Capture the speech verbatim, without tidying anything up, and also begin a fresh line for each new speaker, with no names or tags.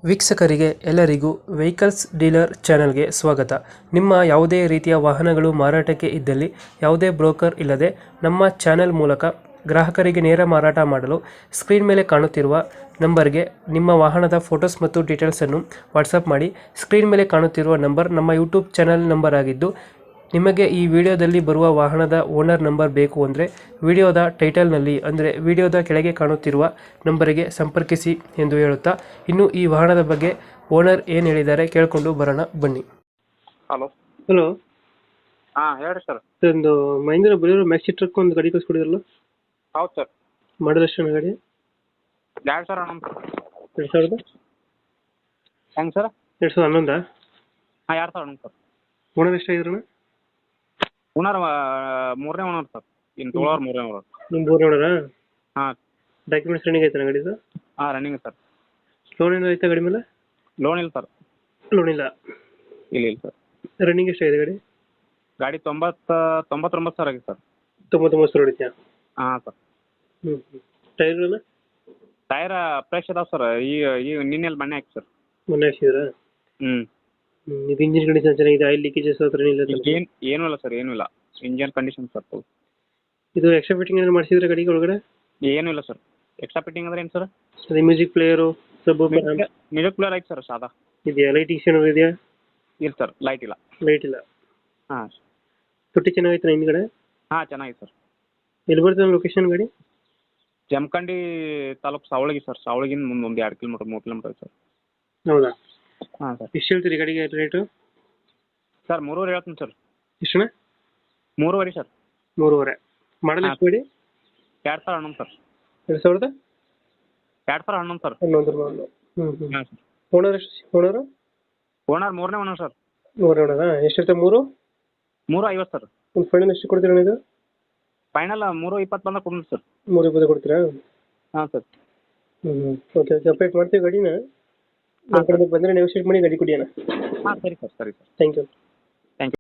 ವೀಕ್ಷಕರಿಗೆ ಎಲ್ಲರಿಗೂ vehicles dealer ಚಾನೆಲ್ಗೆ ಸ್ವಾಗತ. ನಿಮ್ಮ ಯಾವುದೇ ರೀತಿಯ ವಾಹನಗಳು ಮಾರಾಟಕ್ಕೆ ಇದ್ದಲ್ಲಿ ಯಾವುದೇ ಬ್ರೋಕರ್ ಇಲ್ಲದೆ ನಮ್ಮ ಚಾನೆಲ್ ಮೂಲಕ ಗ್ರಾಹಕರಿಗೆ ನೇರ ಮಾರಾಟ ಮಾಡಲು ಸ್ಕ್ರೀನ್ ಮೇಲೆ ಕಾಣುತ್ತಿರುವ ನಂಬರ್ಗೆ ನಿಮ್ಮ ವಾಹನದ ಫೋಟೋಸ್ ಮತ್ತು ಡೀಟೇಲ್ಸನ್ನು ವಾಟ್ಸಪ್ ಮಾಡಿ. ಸ್ಕ್ರೀನ್ ಮೇಲೆ ಕಾಣುತ್ತಿರುವ ನಂಬರ್ ನಮ್ಮ ಯೂಟ್ಯೂಬ್ ಚಾನೆಲ್ ನಂಬರ್ ಆಗಿದ್ದು, ನಿಮಗೆ ಈ ವಿಡಿಯೋದಲ್ಲಿ ಬರುವ ವಾಹನದ ಓನರ್ ನಂಬರ್ ಬೇಕು ಅಂದರೆ ವಿಡಿಯೋದ ಟೈಟಲ್ನಲ್ಲಿ ಅಂದರೆ ವಿಡಿಯೋದ ಕೆಳಗೆ ಕಾಣುತ್ತಿರುವ ನಂಬರಿಗೆ ಸಂಪರ್ಕಿಸಿ ಎಂದು ಹೇಳುತ್ತಾ, ಇನ್ನು ಈ ವಾಹನದ ಬಗ್ಗೆ ಓನರ್ ಏನು ಹೇಳಿದ್ದಾರೆ ಕೇಳಿಕೊಂಡು ಬರೋಣ ಬನ್ನಿ.
ಹಲೋ
ಹಲೋ,
ಹಾಂ ಹೇಳ್ರಿ ಸರ್.
ಒಂದು ಮಹೇಂದ್ರ ಬಲಿರೋ ಮ್ಯಾಕ್ಸಿ ಟ್ರಕ್ ಒಂದು ಗಾಡಿ ಕಳಿಸ್ಕೊಡಿದ್ರಲ್ಲ,
ಹೌದು ಸರ್.
ಮಾಡಲ್ ಎಷ್ಟು ಗಾಡಿ?
ಎರಡು ಸಾವಿರ ಹನ್ನೊಂದು ಸರ್.
ಎರಡು ಸಾವಿರದ
ಹೆಂಗೆ ಸರ್?
ಎರಡು ಸಾವಿರದ ಹನ್ನೊಂದಾ?
ಹಾಂ ಎರಡು ಸಾವಿರ ಹನ್ನೊಂದು ಸರ್.
ಓನರ್ ಎಷ್ಟಾಗಿದ್ರಣ?
ಓನರ್ ಮೂರನೇ ಓನರ್ ಸರ್. ಇನ್ನು ತೊಗೊಳೋರು ಮೂರನೇ ಓನರ್.
ನಿಮ್ಮ ಮೂರನೇ ಓನರಾ?
ಹಾಂ.
ಡಾಕ್ಯುಮೆಂಟ್ಸ್ ರನ್ನಿಂಗ್ ಆಯ್ತಾನ ಗಾಡಿದು?
ಹಾಂ ರನ್ನಿಂಗ್ ಸರ್.
ಲೋನ್ ಏನೋ ಆಯ್ತಾ ಗಾಡಿ ಮೇಲೆ?
ಲೋನ್ ಇಲ್ಲ ಸರ್.
ಲೋನ್ ಇಲ್ಲ.
ಇಲ್ಲ ಇಲ್ಲ ಸರ್.
ರನ್ನಿಂಗ್ ಎಷ್ಟಾಗಿದೆ ಗಾಡಿ?
ಗಾಡಿ ತೊಂಬತ್ತು ತೊಂಬತ್ತೊಂಬತ್ತು ಸಾವಿರ ಆಗಿದೆ ಸರ್.
ತೊಂಬತ್ತೊಂಬತ್ತು ಸಾವಿರ ಹೊಡಿತ್ಯಾ?
ಹಾಂ ಸರ್.
ಹ್ಞೂ ಹ್ಞೂ ಟೈರ್ಗಳನ್ನ?
ಟೈರ ಫ್ರೆಶ್ ಅದಾವೆ ಸರ್. ಈಗ ಈಗ ನಿನ್ನೆಲ್ಲಿ ಬಣ್ಣೆ ಹಾಕಿ ಸರ್.
ಮೊನ್ನೆ ಹಾಕ್ಸಿದ್ರಾ?
ಹ್ಞೂ.
ಹ್ಞೂ ಇದು ಇಂಜಿನ್ ಕಂಡೀಷನ್ ಚೆನ್ನಾಗಿದೆ, ಆಯಿಲ್ ಲೀಕೇಜಸ್ ಹತ್ರ ಏನಿಲ್ಲ?
ಏನು ಏನೂ ಇಲ್ಲ ಸರ್, ಏನೂ ಇಲ್ಲ. Engine condition sir full.
ಇದು ಎಕ್ಸ್ಟ್ರಾ ಫಿಟ್ಟಿಂಗ್ ಏನಾದ್ರು ಮಾಡಿಸಿದ್ರೆ ಗಾಡಿಗೆ ಒಳಗಡೆ?
ಏನೂ ಇಲ್ಲ ಸರ್. ಎಕ್ಸ್ಟ್ರಾ ಫಿಟ್ಟಿಂಗ್ ಅಂದ್ರೆ ಏನು ಸರ್?
ಅದೇ music player, sub
music player ಐತೆ ಸರ್ ಸಾದಾ.
ಇದೆಯಾ? ಲೈಟಿಂಗ್ಸ್ ಏನಾದ್ರು ಇದೆಯಾ?
ಇಲ್ಲ ಸರ್, ಲೈಟ್ ಇಲ್ಲ.
ಲೈಟ್ ಇಲ್ಲ.
ಹಾಂ.
ತೊಟ್ಟಿ ಚೆನ್ನಾಗೈತೆ ಹಿಂದ್ಗಡೆ?
ಹಾಂ ಚೆನ್ನಾಗಿದೆ ಸರ್.
ಎಲ್ಲಿ ಬರ್ತದೆ ಲೊಕೇಶನ್ ಗಾಡಿ?
ಜಮಖಂಡಿ ತಾಲೂಕು ಸಾವಳಗಿ ಸರ್. ಸಾವಳಗಿಂದ ಮುಂದೆ ಒಂದು ಎರಡು ಕಿಲೋಮೀಟರ್ ಮೂರು ಕಿಲೋಮೀಟರ್ ಸರ್.
ಹೌದಾ?
ಹಾಂ ಸರ್.
ಎಷ್ಟು ಹೇಳ್ತೀರಿ ಗಾಡಿಗೆ ರೇಟು?
ಸರ್ ಮೂರುವರೆ ಹೇಳ್ತೀನಿ ಸರ್.
ಎಷ್ಟಣ್ಣ?
ಮೂರುವರೆ ಸರ್.
ಮೂರುವರೆ. ಮಾಡಲ್ ಎಷ್ಟು ಗಾಡಿ?
ಎರಡು ಸಾವಿರ ಹನ್ನೊಂದು ಸರ್.
ಎರಡು ಸಾವಿರದ
ಎರಡು ಸಾವಿರ ಹನ್ನೊಂದು ಸರ್.
ಹನ್ನೊಂದು ಮಾಡಲು. ಹ್ಞೂ ಹ್ಞೂ.
ಹಾಂ ಸರ್.
ಓನರ್ ಎಷ್ಟು? ಓನರು
ಓನರ್ ಮೂರನೇ ಓನರ್ ಸರ್.
ಮೂರನೇ ಓನರಾ? ಎಷ್ಟಿರುತ್ತೆ? ಮೂರು
ಮೂರು ಐವತ್ತು ಸರ್.
ಒಂದು ಫೈನಲ್ ಎಷ್ಟು ಕೊಡ್ತೀರಾ ಇದು?
ಫೈನಲ್ ಮೂರು ಇಪ್ಪತ್ತು ಬಂದಾಗ ಕೊಡ್ತೀನಿ ಸರ್.
ಮೂರು ಇಪ್ಪತ್ತು ಕೊಡ್ತೀರಾ?
ಹಾಂ ಸರ್.
ಹ್ಞೂ ಹ್ಞೂ ಓಕೆ ಓಕೆ ಅಪ್ಡೇಟ್ ಮಾಡ್ತೀವಿ ಗಾಡಿನ. ನಮ್ಮ ಕಡೆ ಬಂದರೆ ನೆಗೋಷಿಯೇಟ್ ಮಾಡಿ ಗಾಡಿ ಕೊಡಿ ಅಣ್ಣ.
ಹಾಂ ಸರಿ ಸರ್, ಸರಿ ಸರ್.
Thank you.